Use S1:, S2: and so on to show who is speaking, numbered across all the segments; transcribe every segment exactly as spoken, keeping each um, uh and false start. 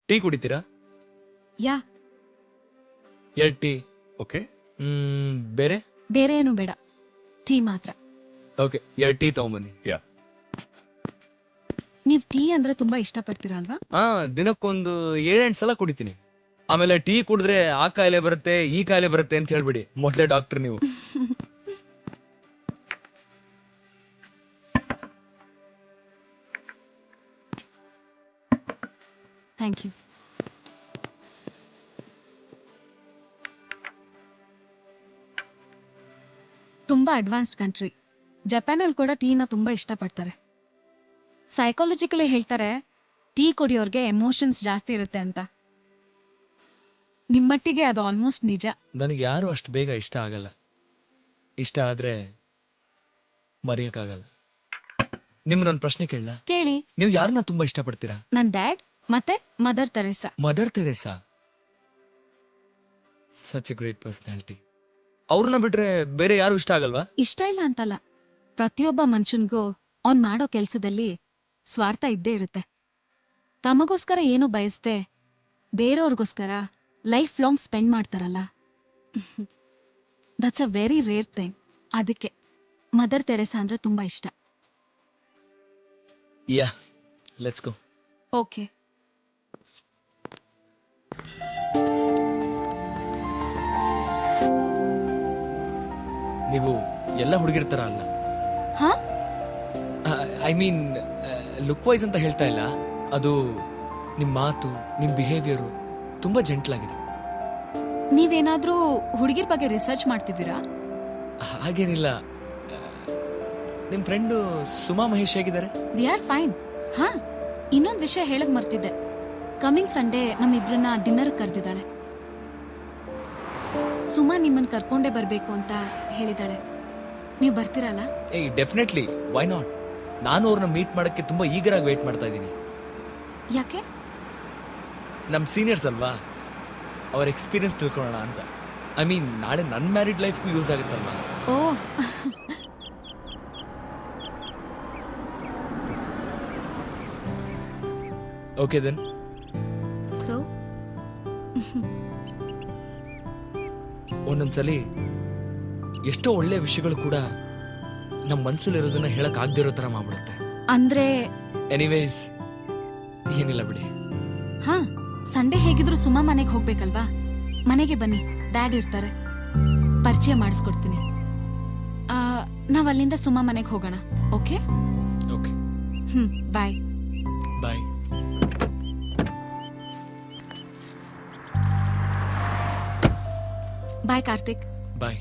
S1: Tea ಕುಡಿತೀರಾ?
S2: ಯಾ.
S1: ಎರಡು tea.
S3: Okay.
S1: ಹ್ಮ್ ಬೇರೆ?
S2: ಬೇರೆ ಏನು ಬೇಡ, ಟೀ ಮಾತ್ರ.
S1: ಓಕೆ, ಎರಡು ಟೀ ತಗೊಂಬನ್ನಿ.
S3: ಯಾ.
S2: ನೀವ್ ಟೀ ಅಂದ್ರೆ ತುಂಬಾ ಇಷ್ಟ ಪಡ್ತೀರಾ ಅಲ್ವಾ?
S1: ಹಾ, ದಿನಕ್ಕೊಂದು ಏಳೆಂಟು ಸಲ ಕುಡಿತೀನಿ. ಆಮೇಲೆ ಟೀ ಕುಡಿದ್ರೆ ಆ ಕಾಯಿಲೆ ಬರುತ್ತೆ, ಈ ಕಾಯಿಲೆ ಬರುತ್ತೆ ಅಂತ ಹೇಳ್ಬಿಡಿ. ಮೊದಲೇ ಡಾಕ್ಟರ್ ನೀವು.
S2: Thank you. ತುಂಬಾ ಅಡ್ವಾನ್ಸ್ಡ್ ಕಂಟ್ರಿ. ಜಪಾನಲ್ಲಿ ಕೂಡ ಟೀನ ತುಂಬಾ ಇಷ್ಟಪಡ್ತಾರೆ. ಸೈಕಾಲಜಿಕಲಿ ಹೇಳ್ತಾರೆ ಟೀ ಕುಡಿಯೋರ್ಗೆ ಎಮೋಷನ್ಸ್ ಜಾಸ್ತಿ ಇರುತ್ತೆ ಅಂತ. ನಿಮ್ಮಟ್ಟಿಗೆ ಅದು ಆಲ್ಮೋಸ್ಟ್ ನಿಜ.
S1: ನನಗೆ ಯಾರು ಅಷ್ಟು ಬೇಗ ಇಷ್ಟ ಆಗಲ್ಲ. ಇಷ್ಟ ಆದ್ರೆ ಮರೆಯಕ್ಕಾಗಲ್ಲ. ನಿಮ್ಗೊಂದು ಪ್ರಶ್ನೆ ಕೇಳಲ್ಲ?
S2: ಕೇಳಿ.
S1: ನೀವು ಯಾರನ್ನ ತುಂಬಾ ಇಷ್ಟಪಡ್ತೀರಾ?
S2: ನನ್ ಡ್ಯಾಡ್ ಮತ್ತೆ mother Teresa.
S1: Mother Teresa, such a great personality. ಅವ್ರನ್ನ ಬಿಟ್ರೆ ಬೇರೆ ಯಾರು ಇಷ್ಟ ಆಗಲ್ವಾ?
S2: ಇಷ್ಟ ಇಲ್ಲ ಅಂತಲ್ಲ, ಪ್ರತಿಯೊಬ್ಬ ಮನುಷ್ಯನ್ಗೂ ಅವ್ನ್ ಮಾಡೋ ಕೆಲ್ಸದಲ್ಲಿ ಸ್ವಾರ್ಥ ಇದ್ದೇ ಇರುತ್ತೆ. ತಮಗೋಸ್ಕರ ಏನು ಬಯಸ್ದೆ ಬೇರೆಯವ್ರಿಗೋಸ್ಕರ ಲೈಫ್ ಲಾಂಗ್ ಸ್ಪೆಂಡ್ ಮಾಡ್ತಾರಲ್ಲ, that's a very rare thing. ಅದಕ್ಕೆ ಮದರ್ ತೆರೇಸಾ ಅಂದ್ರೆ ತುಂಬಾ ಇಷ್ಟ.
S1: Yeah, let's go.
S2: ಓಕೆ.
S1: ನೀವು ಎಲ್ಲ ಹುಡುಗಿರ್ತಾರ ಅಲ್ಲ?
S2: ಹಾ?
S1: ಐ ಮೀನ್ ಲುಕ್ ವೈಸ್ ಅಂತ ಹೇಳ್ತಾ ಇಲ್ಲ, ಅದು ನಿಮ್ ಮಾತು, ನಿಮ್ ಬಿಹೇವಿಯರು ತುಂಬಾ ಜೆಂಟ್ಲ್ ಆಗಿದೆ.
S2: ನೀವೇನಾದ್ರೂ ಹುಡುಗಿರ್ ಬಗ್ಗೆ ರಿಸರ್ಚ್ ಮಾಡ್ತಿದ್ದೀರಾ?
S1: ಹಾಗೇನಿಲ್ಲ. ನಿಮ್ ಫ್ರೆಂಡು ಸುಮಾ ಮಹೇಶ್ ಹೇಗಿದ್ದಾರೆ?
S2: They are fine. ಹಾ, ಇನ್ನೊಂದ್ ವಿಷಯ ಹೇಳಕ್ ಮರ್ತಿದ್ದೆ. ಕಮಿಂಗ್ ಸಂಡೇ ನಮ್ಮಿಬ್ರನ್ನ ಡಿನ್ನರ್ ಕರೆದಿದ್ದಾಳೆ. ಸುಮಾ ನಿಮ್ಮನ್ ಕರ್ಕೊಂಡೇ ಬರ್ಬೇಕು ಅಂತ ಹೇಳಿದಾಳೆ. ನೀವು ಬರ್ತೀರಲ್ಲ?
S1: ಏಯ್, ಡೆಫಿನೆಟ್ಲಿ, ವೈ ನಾಟ್. ನಾನು ಅವ್ರನ್ನ ಮೀಟ್ ಮಾಡಕ್ಕೆ ತುಂಬಾ ಈಗರಾಗಿ ವೇಟ್ ಮಾಡ್ತಾ ಇದ್ದೀನಿ.
S2: ಯಾಕೆ?
S1: ನಮ್ ಸೀನಿಯರ್ಸ್ ಅಲ್ವಾ, ಅವ್ರ ಎಕ್ಸ್ಪೀರಿಯನ್ಸ್ ತಿಳ್ಕೊಳ್ಳೋಣ ಅಂತ. ಐ ಮೀನ್, ನಾಳೆ ನನ್ನ ಮ್ಯಾರಿಡ್ ಲೈಫ್ಗೂ ಯೂಸ್ ಆಗುತ್ತಲ್ವಾ.
S2: ಓ.
S1: Okay then.
S2: ಸೊ
S1: ಒಂದೊಂದ್ಸಲಿ ಎಷ್ಟೋ ಒಳ್ಳೆ ವಿಷಯಗಳು ಕೂಡ ನಮ್ಮ ಮನ್ಸಲ್ಲಿರೋದನ್ನ ಹೇಳಕ್ ಆಗದಿರೋ ತರ ಮಾಡ್ಬಿಡುತ್ತೆ.
S2: ಅಂದ್ರೆ?
S1: ಎನಿವೇಸ್, ಏನಿಲ್ಲ ಬಿಡಿ.
S2: ಹಾ, ಸಂಡೇ ಹೇಗಿದ್ರು ಸುಮಾ ಮನೆಗೆ ಹೋಗ್ಬೇಕಲ್ವಾ? ಮನೆಗೆ ಬನ್ನಿ, ಡ್ಯಾಡ್ ಇರ್ತಾರೆ, ಪರಿಚಯ ಮಾಡಿಸ್ಕೊಡ್ತೀನಿ. ನಾವ್ ಅಲ್ಲಿಂದ ಸುಮಾ ಮನೆಗೆ ಹೋಗೋಣ. Okay?
S1: Okay.
S2: Hmm, bye.
S1: Bye.
S2: Bye Karthik.
S1: Bye.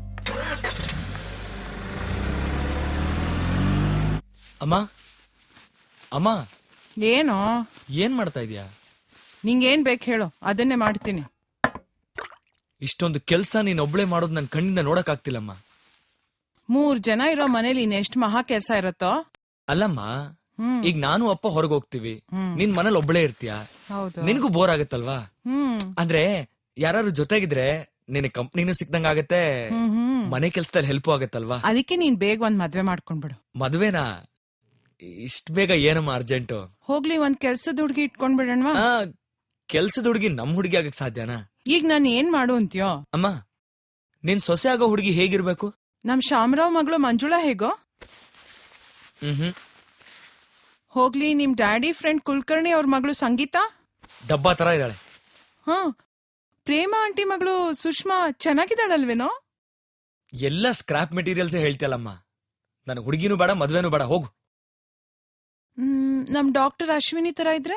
S1: ಅಮ್ಮ, ಅಮ್ಮ,
S4: ಏನೋ
S1: ಏನ್ ಮಾಡ್ತಾ ಇದೀಯಾ?
S4: ನಿಂಗೇನ್ ಬೇಕು ಹೇಳು, ಅದನ್ನೇ ಮಾಡ್ತೀನಿ.
S1: ಇಷ್ಟೊಂದು ಕೆಲ್ಸ ನೀನ್ ಒಬ್ಳೆ ಮಾಡೋದು ನನ್ ಕಣ್ಣಿಂದ ನೋಡಕ್ ಆಗ್ತಿಲ್ಲಮ್ಮ.
S4: ಮೂರ್ ಜನ ಇರೋ ಮನೇಲಿ ಇನ್ನೆಷ್ಟ್ ಮಹಾ ಕೆಲ್ಸ ಇರತ್ತೋ.
S1: ಅಲ್ಲಮ್ಮ,
S4: ಹ್ಮ್
S1: ಈಗ ನಾನು ಅಪ್ಪ ಹೊರಗೆ ಹೋಗ್ತೀವಿ,
S4: ಹ್ಮ್.
S1: ನಿನ್ ಮನೇಲಿ ಒಬ್ಳೆ ಇರ್ತೀಯ,
S4: ಹೌದು.
S1: ನಿನ್ಗೂ ಬೋರ್ ಆಗತ್ತಲ್ವಾ?
S4: ಹ್ಮ್
S1: ಅಂದ್ರೆ ಯಾರು ಜೊತೆಗಿದ್ರೆ ನಿನ್ ಕಂಪ್ನಿನೂ ಸಿಕ್ದಂಗ ಆಗತ್ತೆ,
S4: ಹ್ಮ್ ಹ್ಮ್
S1: ಮನೆ ಕೆಲ್ಸದಲ್ಲಿ ಹೆಲ್ಪ್ ಆಗತ್ತಲ್ವಾ?
S4: ಅದಕ್ಕೆ ನೀನ್ ಬೇಗ ಒಂದ್ ಮದ್ವೆ ಮಾಡ್ಕೊಂಡ್ಬಿಡು.
S1: ಮದ್ವೆನಾ? ಇಷ್ಟ ಬೇಗ ಏನಮ್ಮ ಅರ್ಜೆಂಟು?
S4: ಹೋಗ್ಲಿ, ಒಂದ್ ಕೆಲ್ಸದ ಹುಡ್ಗಿ ಇಟ್ಕೊಂಡ್ಬಿಡಣ್ವಾ.
S1: ಆ ಕೆಲ್ಸದ ಹುಡುಗಿ ನಮ್ ಹುಡುಗಿ ಆಗಕ್ ಸಾಧ್ಯನಾ?
S4: ಈಗ ನಾನ್ ಏನ್ ಮಾಡು ಅಂತ್ಯೋ?
S1: ಅಮ್ಮ, ನಿನ್ ಸೊಸೆ ಆಗೋ ಹುಡುಗಿ ಹೇಗಿರ್ಬೇಕು?
S4: ನಮ್ ಶಾಮರಾವ್ ಮಗಳು ಮಂಜುಳಾ ಹೇಗೋ?
S1: ಹ್ಮ್ ಹ್ಮ್
S4: ಹೋಗ್ಲಿ, ನಿಮ್ ಡ್ಯಾಡಿ ಫ್ರೆಂಡ್ ಕುಲಕರ್ಣಿ ಅವ್ರ ಮಗಳು ಸಂಗೀತಾ
S1: ಡಬ್ಬಾ ತರ ಇದ್ದಾಳೆ.
S4: ಹಾ, ಪ್ರೇಮ ಆಂಟಿ ಮಗಳು ಸುಷ್ಮಾ ಚೆನ್ನಾಗಿದ್ದಾಳಲ್ವೇನೋ?
S1: ಎಲ್ಲ ಸ್ಕ್ರಾಪ್ ಮೆಟೀರಿಯಲ್ಸ್ ಹೇಳ್ತಿಯಲ್ಲಮ್ಮ. ನನ್ ಹುಡುಗಿನೂ ಬೇಡ, ಮದ್ವೆನೂ ಬೇಡ, ಹೋಗು.
S4: ಹ್ಮ್ ನಮ್ ಡಾಕ್ಟರ್ ಅಶ್ವಿನಿ ತರ ಇದ್ರೆ?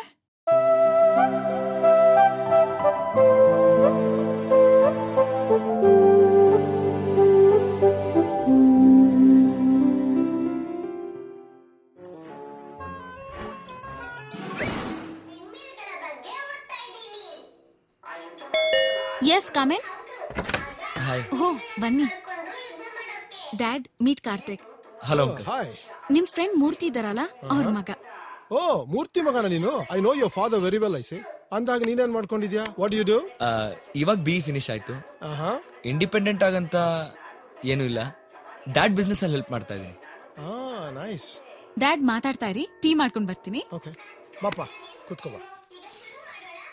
S2: Yes, come in.
S1: Hi.
S2: Oh, ಬನ್ನಿ. Dad, meet Karthik.
S1: Hello uncle.
S5: Hi.
S2: ನಿಮ್ ಫ್ರೆಂಡ್ ಮೂರ್ತಿ ಇದಾರಲ್ಲ, ಅವ್ರ ಮಗ.
S5: ಓ, ಮೂರ್ತಿ ಮಗನ ನೀನು? I know your father very well. I say ಅಂದಾಗ ನೀನೇನ್ ಮಾಡ್ಕೊಂಡಿದ್ಯಾ? What you do?
S1: ಇವಾಗ ಬಿ ಫಿನಿಶ್ ಆಯ್ತು.
S5: ಆಹಾ.
S1: ಇಂಡಿಪೆಂಡೆಂಟ್ ಆಗಂತ ಏನೂ ಇಲ್ಲ. ಡ್ಯಾಡ್ ಬಿಸ್ನೆಸ್ ಅಲ್ಲಿ ಹೆಲ್ಪ್ ಮಾಡ್ತಾ ಇದೀನಿ.
S5: ಆ, ನೈಸ್.
S2: ಡ್ಯಾಡ್ ಮಾತಾಡ್ತಾ ಇರಿ, ಟೀ ಮಾಡ್ಕೊಂಡ್ ಬರ್ತೀನಿ.
S5: ಓಕೆ, ಬಾಪ ಕೂತ್ಕೋ ಬಾ.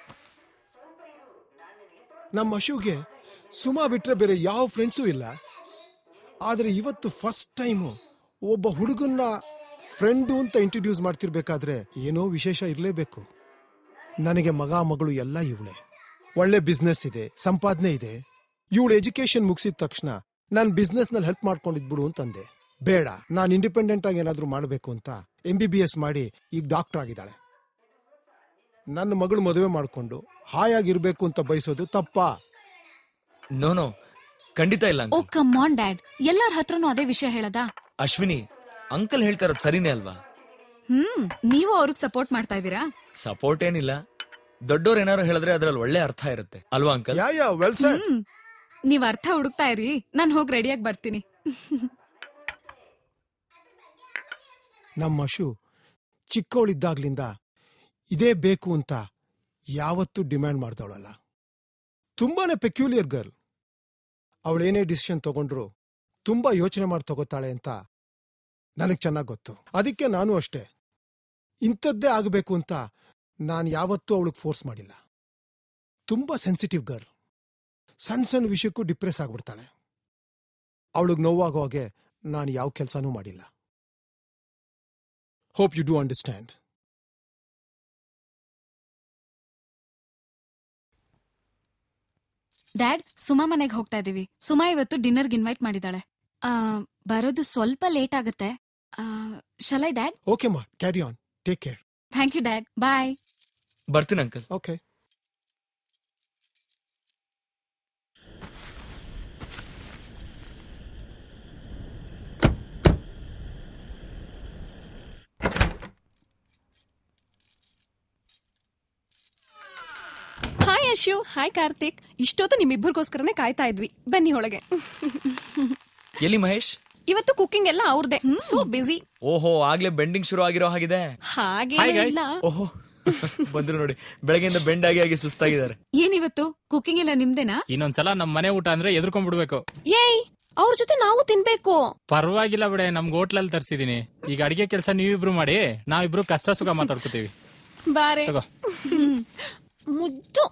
S5: ನಮ್ಮ ಅಶುಗೆ ಸುಮಾ ಬಿಟ್ರೆ ಬೇರೆ ಯಾವ ಫ್ರೆಂಡ್ಸೂ ಇಲ್ಲ. ಆದರೆ ಇವತ್ತು ಫಸ್ಟ್ ಟೈಮು ಒಬ್ಬ ಹುಡುಗನ್ನ ಫ್ರೆಂಡು ಅಂತ ಇಂಟ್ರಡ್ಯೂಸ್ ಮಾಡ್ತಿರ್ಬೇಕಾದ್ರೆ ಏನೋ ವಿಶೇಷ ಇರಲೇಬೇಕು. ನನಗೆ ಮಗ ಮಗಳು ಎಲ್ಲ ಇವಳೆ. ಒಳ್ಳೆ ಬಿಸ್ನೆಸ್ ಇದೆ, ಸಂಪಾದನೆ ಇದೆ. ಇವಳು ಎಜುಕೇಶನ್ ಮುಗಿಸಿದ ತಕ್ಷಣ ನಾನು ಬಿಸ್ನೆಸ್ನಲ್ಲಿ ಹೆಲ್ಪ್ ಮಾಡ್ಕೊಂಡಿದ್ಬಿಡು ಅಂತಂದೆ. ಬೇಡ, ನಾನು ಇಂಡಿಪೆಂಡೆಂಟ್ ಆಗಿ ಏನಾದರೂ ಮಾಡಬೇಕು ಅಂತ ಎಂ ಬಿ ಬಿ ಎಸ್ ಮಾಡಿ ಈಗ ಡಾಕ್ಟರ್ ಆಗಿದ್ದಾಳೆ. ನನ್ನ ಮಗಳು ಮದುವೆ ಮಾಡಿಕೊಂಡು ಹಾಯಾಗಿರ್ಬೇಕು ಅಂತ ಬಯಸೋದು ತಪ್ಪಾ?
S1: ನೋ ನೋ, ಖಂಡಿತ ಇಲ್ಲ
S2: oh
S1: uncle.
S2: Come on dad, ಎಲ್ಲರ ಹತ್ರನೂ ಅದೇ ವಿಷಯ ಹೇಳದ?
S1: ಅಶ್ವಿನಿ, ಅಂಕಲ್ ಹೇಳ್ತಾ ಇರೋದು ಸರಿನೇ ಅಲ್ವಾ?
S2: ಹ್ಮ್, ನೀವು ಅವ್ರಿಗೆ ಸಪೋರ್ಟ್ ಮಾಡ್ತಾ ಇದೀರಾ?
S1: ಸಪೋರ್ಟ್ ಏನಿಲ್ಲ, ದೊಡ್ಡೋರ್ ಏನಾರು ಹೇಳಿದ್ರೆ ಅದ್ರಲ್ಲಿ ಒಳ್ಳೆ ಅರ್ಥ ಇರುತ್ತೆ ಅಲ್ವಾ uncle?
S5: Yeah yeah well sir.
S2: Hmm, ನೀವ್ ಅರ್ಥ ಹುಡುಕ್ತಾ ಇರಿ, ನಾನ್ ಹೋಗಿ ರೆಡಿಯಾಗಿ ಬರ್ತೀನಿ.
S5: ನಮ್ಮ ಅಶು ಚಿಕ್ಕವಳಿದ್ದಾಗ್ಲಿಂದ ಇದೇ ಬೇಕು ಅಂತ ಯಾವತ್ತೂ ಡಿಮ್ಯಾಂಡ್ ಮಾಡ್ದವಳಲ್ಲ. ತುಂಬಾನೇ ಪೆಕ್ಯುಲಿಯರ್ ಗರ್ಲ್. ಅವಳೇನೇ ಡಿಸಿಷನ್ ತಗೊಂಡ್ರು ತುಂಬಾ ಯೋಚನೆ ಮಾಡಿ ತಗೋತಾಳೆ ಅಂತ ನನಗ್ ಚೆನ್ನಾಗ್ ಗೊತ್ತು. ಅದಕ್ಕೆ ನಾನು ಅಷ್ಟೇ, ಇಂಥದ್ದೇ ಆಗಬೇಕು ಅಂತ ನಾನು ಯಾವತ್ತೂ ಅವಳಿಗೆ ಫೋರ್ಸ್ ಮಾಡಿಲ್ಲ. ತುಂಬಾ ಸೆನ್ಸಿಟಿವ್ ಗರ್ಲ್. ಸಣ್ಣ ಸಣ್ಣ ವಿಷಯಕ್ಕೂ ಡಿಪ್ರೆಸ್ ಆಗ್ಬಿಡ್ತಾಳೆ. ಅವಳಿಗೆ ನೋವಾಗೋ ಹಾಗೆ ನಾನು ಯಾವ ಕೆಲಸನೂ ಮಾಡಿಲ್ಲ. Hope you do understand.
S2: Dad, Suma ಮನೆಗೆ ಹೋಗ್ತಾ ಇದೀವಿ. ಸುಮಾ ಇವತ್ತು ಡಿನ್ನರ್ಗೆ ಇನ್ವೈಟ್ ಮಾಡಿದಾಳೆ. ಆ, ಬರೋದು ಸ್ವಲ್ಪ ಲೇಟ್ ಆಗುತ್ತೆ. Shall I dad?
S5: Okay ma, carry on, take care.
S2: Thank you dad, bye.
S1: ಬರ್ತೀನಿ uncle.
S5: Okay.
S3: Hi Ashu, hi Karthik. ಇಷ್ಟೊತ್ತು ನಿಮ್ಮಿಬ್ಬರಿಗೋಸ್ಕರನೇ ಕಾಯ್ತಾ ಇದ್ವಿ. ಬನ್ನಿ ಒಳಗೆ.
S1: ಎಲ್ಲಿ ಮಹೇಶ್?
S3: ಇವತ್ತು ಕುಕಿಂಗ್ ಎಲ್ಲ ಅವ್ರದೇ. So busy.
S1: ಓಹೋ, ಆಗ್ಲೇ ಬೆಂಡಿಂಗ್ ಶುರು ಆಗಿರೋ ಹಾಗಿದೆ.
S3: ಹಾಗೆ ಇಲ್ಲ.
S1: ಓಹೋ, ಬಂದ್ರು ನೋಡಿ, ಬೆಳಗ್ಗೆಯಿಂದ ಬೆಂಡ್ ಆಗಿ ಆಗಿ ಸುಸ್ತಾಗಿದ್ದಾರೆ.
S2: ಏನಿವತ್ತು ಕುಕಿಂಗ್ ಎಲ್ಲ ನಿಮ್ದೇನಾ?
S6: ಇನ್ನೊಂದ್ಸಲ ನಮ್ ಮನೆ ಊಟ ಅಂದ್ರೆ ಎದ್ಕೊಂಡ್ಬಿಡ್ಬೇಕು.
S3: ಏಯ್, ಅವ್ರ ಜೊತೆ ನಾವು ತಿನ್ಬೇಕು.
S6: ಪರವಾಗಿಲ್ಲ ಬಿಡೆ, ನಮ್ಗೆ ಹೋಟ್ಲಲ್ಲಿ ತರ್ಸಿದೀನಿ. ಈಗ ಅಡಿಗೆ ಕೆಲಸ ನೀವಿಬ್ರು ಮಾಡಿ, ನಾವಿಬ್ರು ಕಷ್ಟ ಸುಖ ಮಾತಾಡ್ಕೋತೀವಿ.
S3: ಬಾರೆ
S6: ತಗೋ.
S3: ಮುದ್ದು.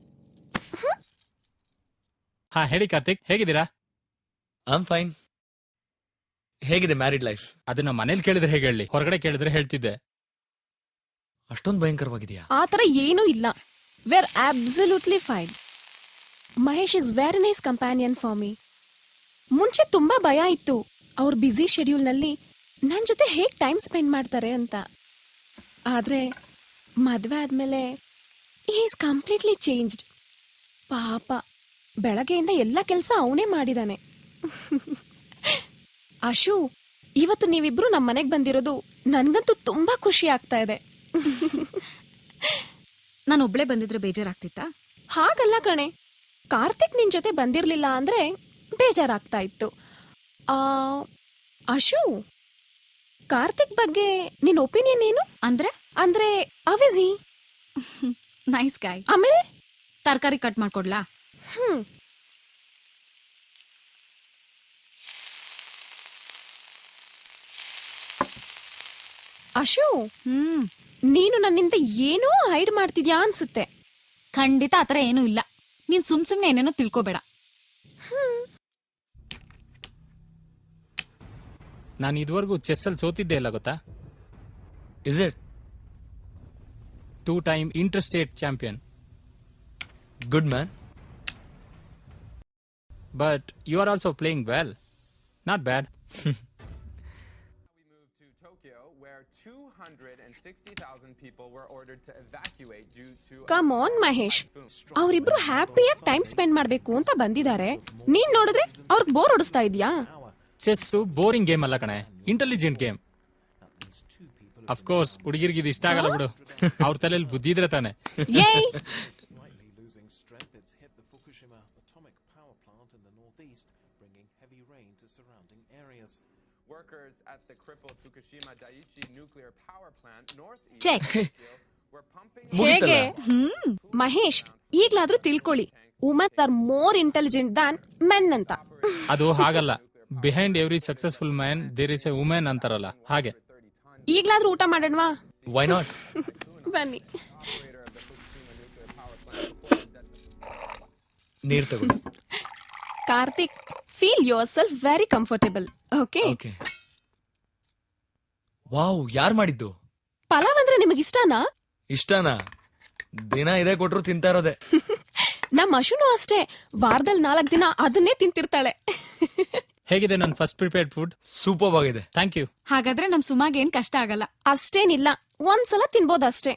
S6: ಹಾ, ಹೇಳಿ ಕಾರ್ತಿಕ್, ಹೇಗಿದ್ದೀರಾ?
S1: I am fine. ಹೇಗಿದೆ ಮ್ಯಾರಿಡ್ ಲೈಫ್?
S6: ಅದನ್ನ ಮನೇಲಿ ಕೇಳಿದ್ರೆ ಹೇಗೆ ಹೇಳಿ, ಹೊರಗಡೆ ಕೇಳಿದ್ರೆ ಹೇಳ್ತಿದ್ದೆ.
S1: ಅಷ್ಟೊಂದು ಭಯಂಕರವಾಗಿದೆಯಾ?
S3: ಆತರ ಏನೂ ಇಲ್ಲ. We are absolutely fine. Mahesh is very nice companion for me. ಮುಂಚೆ ತುಂಬಾ ಭಯ ಇತ್ತು, ಅವ್ರ ಬ್ಯುಸಿ ಶೆಡ್ಯೂಲ್ ನಲ್ಲಿ ನನ್ ಜೊತೆ ಹೇಗ್ ಟೈಮ್ ಸ್ಪೆಂಡ್ ಮಾಡ್ತಾರೆ ಅಂತ. ಆದ್ರೆ ಮದ್ವೆ ಆದ್ಮೇಲೆ he is completely changed. ಪಾಪ, ಬೆಳಗ್ಗೆಯಿಂದ ಎಲ್ಲ ಕೆಲಸ ಅವನೇ ಮಾಡಿದಾನೆ. ಅಶು, ಇವತ್ತು ನೀವಿಬ್ರು ನಮ್ಮ ಮನೆಗೆ ಬಂದಿರೋದು ನನ್ಗಂತೂ ತುಂಬಾ ಖುಷಿ ಆಗ್ತಾ ಇದೆ.
S2: ನಾನು ಒಬ್ಳೆ ಬಂದಿದ್ರೆ ಬೇಜಾರಾಗ್ತಿತ್ತಾ?
S3: ಹಾಗಲ್ಲ ಕಣೆ, ಕಾರ್ತಿಕ್ ನಿನ್ ಜೊತೆ ಬಂದಿರ್ಲಿಲ್ಲ ಅಂದ್ರೆ ಬೇಜಾರಾಗ್ತಾ ಇತ್ತು. ಆ ಅಶು, ಕಾರ್ತಿಕ್ ಬಗ್ಗೆ ನಿನ್ ಒಪಿನಿಯನ್ ಏನು?
S2: ಅಂದ್ರೆ
S3: ಅಂದ್ರೆ ಅವಿಜಿ
S2: ನೈಸ್ ಗಾಯ್.
S3: ಆಮೇಲೆ
S2: ತರಕಾರಿ ಕಟ್ ಮಾಡ್ಕೊಡ್ಲಾ?
S3: ಹ್ಮ್ ಅಶು,
S2: ಹ್ಮ್,
S3: ನೀನು ನನ್ನಿಂದ ಏನೋ ಹೈಡ್ ಮಾಡ್ತಿದ್ಯಾ ಅನ್ಸುತ್ತೆ.
S2: ಖಂಡಿತ ಆತರ ಏನೂ ಇಲ್ಲ. ನೀನ್ ಸುಮ್ ಸುಮ್ನೆ ಏನೇನೋ ತಿಳ್ಕೊಬೇಡ.
S6: ನಾನು ಇದುವರೆಗೂ ಚೆಸ್ ಅಲ್ಲಿ ಸೋತಿದ್ದೆ ಇಲ್ಲ ಗೊತ್ತಾ?
S1: Is it?
S6: Two time interstate champion.
S1: Good man.
S6: But you are also playing well. Not bad.
S7: two hundred sixty thousand people were ordered to evacuate due to
S3: come on Mahesh, ಅವರಿಬ್ರು ಹ್ಯಾಪಿಯಾಗಿ time spend ಮಾಡ್ಬೇಕು ಅಂತ ಬಂದಿದ್ದಾರೆ. ನೀನ್ ನೋಡಿದ್ರೆ ಅವ್ರಿಗೆ bore ಹೊಡಿಸ್ತಾ ಇದ್ಯಾ?
S6: Chess boring game ಅಲ್ಲ ಕಣೆ, ಇಂಟೆಲಿಜೆಂಟ್ ಗೇಮ್. ಅಫ್ಕೋರ್ಸ್ ಹುಡುಗಿರ್ಗಿದ್ ಇಷ್ಟ ಆಗಲ್ಲ ಬಿಡು, ಅವ್ರ ತಲೆಯಲ್ಲಿ ಬುದ್ಧಿ ಇದ್ರೆ ತಾನೆ.
S3: ಏಯ್,
S8: losing strength, it's hit the Fukushima atomic power plant in the northeast, bringing heavy rain to surrounding areas.
S7: workers at the crippled Fukushima Daiichi nuclear power plant northeast
S2: check.
S7: were pumping
S3: ಹೇಗೆ? Hmm Mahesh, ಈಗ್ಲಾದ್ರೂ ತಿಳ್ಕೊಳ್ಳಿ, women are more intelligent than men ಅಂತ.
S6: ಅದು ಹಾಗಲ್ಲ. Behind every successful man there is a women ಅಂತಾರಲ್ಲ, ಹಾಗೆ.
S3: ಈಗ್ಲಾದ್ರೂ ಊಟ ಮಾಡೋಣವಾ?
S1: Why not?
S3: ಬನ್ನಿ.
S1: ನೀರ್ ತಗೊಳ್ಳಿ.
S3: Karthik, feel yourself very comfortable. Okay?
S1: Okay. Wow, ಯಾರ್ ಮಾಡಿದ್ದು?
S3: ಪಲಾವ್ ಅಂದ್ರೆ ನಿಮಗೆ ಇಷ್ಟನಾ?
S1: ಇಷ್ಟನಾ? ದಿನ ಇದೇ ಕೊಟ್ರು ತಿಂತಾ ಇರೋದೆ.
S3: ನಮ್ಮ ಅಶುನು ಅಷ್ಟೇ, ವಾರದಲ್ಲಿ ನಾಲ್ಕು ದಿನ ಅದನ್ನೇ ತಿಂತಿರ್ತಾಳೆ.
S6: ಹೇಗಿದೆ ನನ್ನ ಫಸ್ಟ್ ಪ್ರಿಪೇರ್ಡ್ ಫುಡ್?
S1: ಸೂಪರ್ ಆಗಿದೆ.
S6: Thank you.
S2: ಹಾಗಾದ್ರೆ ನಮ್ ಸುಮಾಗ್ ಏನ್ ಕಷ್ಟ ಆಗಲ್ಲ.
S3: ಅಷ್ಟೇನಿಲ್ಲ, ಒಂದ್ಸಲ ತಿನ್ಬೋದಷ್ಟೇ.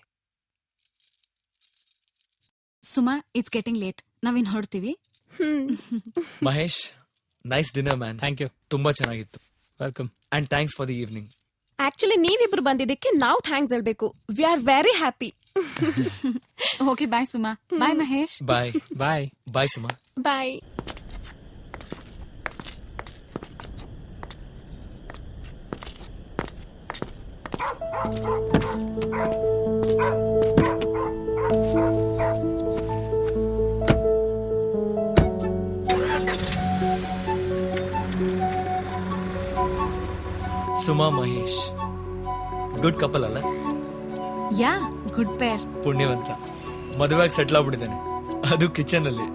S2: ಸುಮಾ, ಇಟ್ಸ್ ಗೆಟಿಂಗ್ ಲೇಟ್, ನಾವಿನ್ ಹೊರಡ್ತೀವಿ.
S3: Hmm.
S1: Mahesh, nice dinner man.
S6: Thank you.
S1: ತುಂಬಾ ಚೆನ್ನಾಗಿತ್ತು.
S6: Welcome.
S1: And thanks for the evening.
S3: Actually ನೀವಿಬ್ರು ಬಂದಿದ್ದಕ್ಕೆ ನಾವು ಥ್ಯಾಂಕ್ಸ್ ಹೇಳ್ಬೇಕು. We are very happy.
S2: Okay, bye Suma. Bye Mahesh.
S1: Bye.
S6: Bye.
S1: Bye Suma.
S3: Bye.
S1: Suma Mahesh good couple ಅಲ್ಲ?
S2: Yeah, good pair.
S1: ಪುಣ್ಯವಂತ. ಮದುವೆಯಾಗಿ ಸೆಟ್ಲ್ ಆಗ್ಬಿಟ್ಟಿದ್ದಾನೆ, ಅದು kitchen ಅಲ್ಲಿ.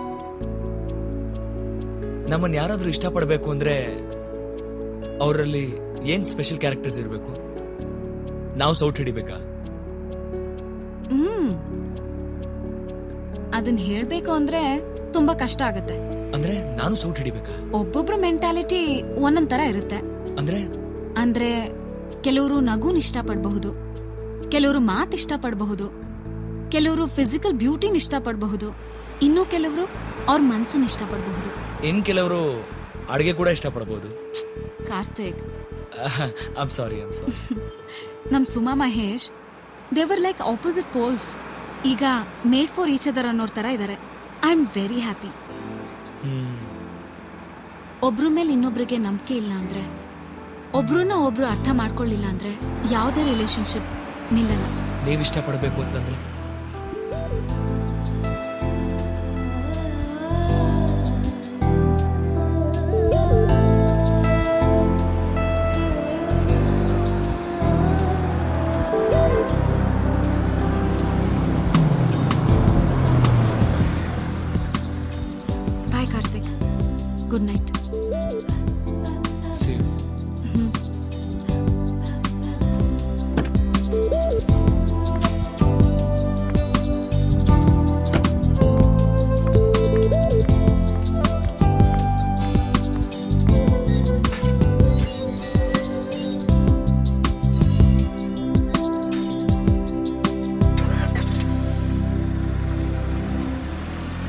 S1: ನಮ್ಮನ್ನ ಯಾರಾದ್ರೂ ಇಷ್ಟಪಡ್ಬೇಕು ಅಂದ್ರೆ ಅವರಲ್ಲಿ ಏನ್ ಸ್ಪೆಷಲ್ ಕ್ಯಾರೆಕ್ಟರ್ಸ್ ಇರಬೇಕು? ನಾವು ಸೌಟ್ ಹಿಡಿಬೇಕಾ?
S2: ಹ್ಮ್ ಅದನ್ ಹೇಳ್ಬೇಕು ಅಂದ್ರೆ ತುಂಬಾ ಕಷ್ಟ ಆಗತ್ತೆ.
S1: ಅಂದ್ರೆ ನಾನು ಸೌಟ್ ಹಿಡಿಬೇಕಾ?
S2: ಒಬ್ಬೊಬ್ರು ಮೆಂಟಾಲಿಟಿ ಒಂದೊಂದ್ ತರ ಇರುತ್ತೆ.
S1: ಅಂದ್ರೆ
S2: ಅಂದ್ರೆ ಕೆಲವರು ನಗುನ್ ಇಷ್ಟಪಡಬಹುದು, ಕೆಲವರು ಮಾತ್ ಇಷ್ಟಪಡಬಹುದು, ಕೆಲವರು ಫಿಸಿಕಲ್ ಬ್ಯೂಟಿನ ಇಷ್ಟಪಡಬಹುದು, ಇನ್ನು ಕೆಲವರು ಅವ್ರ ಮನ್ಸನ್ನ ಇಷ್ಟಪಡಬಹುದು.
S1: ಇನ್ ಕೆಲವರು ಅಡುಗೆ ಕೂಡ ಇಷ್ಟಪಡಬಹುದು.
S2: Karthik,
S1: I'm sorry I'm sorry
S2: ನಮ್ Suma Mahesh they were like opposite poles. ಈಗ ಮೇಡ್ ಫಾರ್ ಈಚ್ ಅದರ್ ಅನ್ನೋರ್ ತರ ಇದಾರೆ. I am very happy. ಒಬ್ರ ಮೇಲೆ ಇನ್ನೊಬ್ರಿಗೆ ನಂಬಿಕೆ ಇಲ್ಲ ಅಂದ್ರೆ, ಒಬ್ರನ್ನ ಒಬ್ರು ಅರ್ಥ ಮಾಡ್ಕೊಳ್ಳಿಲ್ಲ ಅಂದ್ರೆ ಯಾವುದೇ ರಿಲೇಶನ್ಶಿಪ್ ನಿಲ್ಲಲ್ಲ.
S1: ನೀವ್ ಇಷ್ಟಪಡಬೇಕು ಅಂತಂದ್ರೆ